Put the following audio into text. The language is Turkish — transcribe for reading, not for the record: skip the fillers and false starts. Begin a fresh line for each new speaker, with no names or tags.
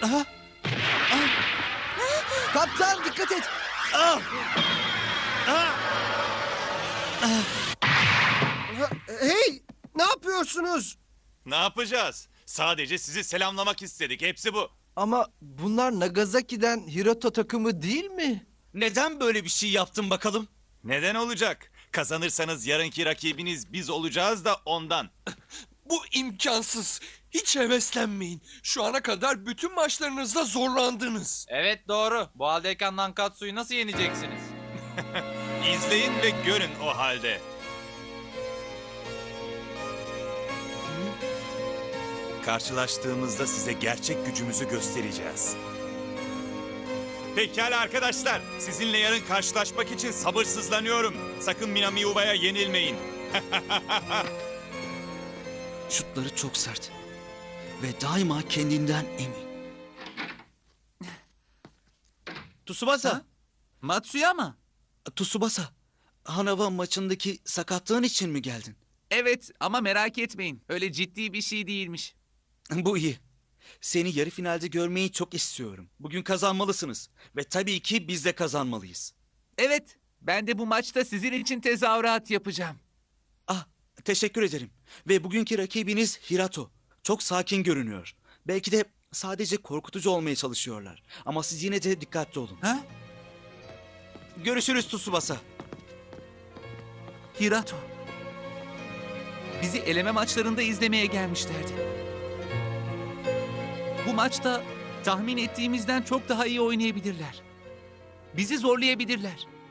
Aha.
Kaptan dikkat et. Hey, ne yapıyorsunuz?
Ne yapacağız? Sadece sizi selamlamak istedik. Hepsi bu.
Ama bunlar Nagasaki'den Hiroto takımı değil mi?
Neden böyle bir şey yaptın bakalım?
Neden olacak? Kazanırsanız yarınki rakibiniz biz olacağız da ondan.
Bu imkansız. Hiç heveslenmeyin. Şu ana kadar bütün maçlarınızda zorlandınız.
Evet doğru. Bu haldeyken Nankatsu'yu nasıl yeneceksiniz?
İzleyin ve görün o halde. Karşılaştığımızda size gerçek gücümüzü göstereceğiz. Pekala arkadaşlar, sizinle yarın karşılaşmak için sabırsızlanıyorum. Sakın Minami Uba'ya yenilmeyin.
Şutları çok sert. Ve daima kendinden emin. Tsubasa.
Matsuyama.
Tsubasa. Hanava maçındaki sakatlığın için mi geldin?
Evet ama merak etmeyin. Öyle ciddi bir şey değilmiş.
Bu iyi. Seni yarı finalde görmeyi çok istiyorum. Bugün kazanmalısınız. Ve tabii ki biz de kazanmalıyız.
Evet. Ben de bu maçta sizin için tezahürat yapacağım.
Ah, teşekkür ederim. Ve bugünkü rakibiniz Hirato. Çok sakin görünüyor. Belki de sadece korkutucu olmaya çalışıyorlar. Ama siz yine de dikkatli olun.
Ha?
Görüşürüz Tsubasa.
Hirato. Bizi eleme maçlarında izlemeye gelmişlerdi. Bu maçta tahmin ettiğimizden çok daha iyi oynayabilirler. Bizi zorlayabilirler.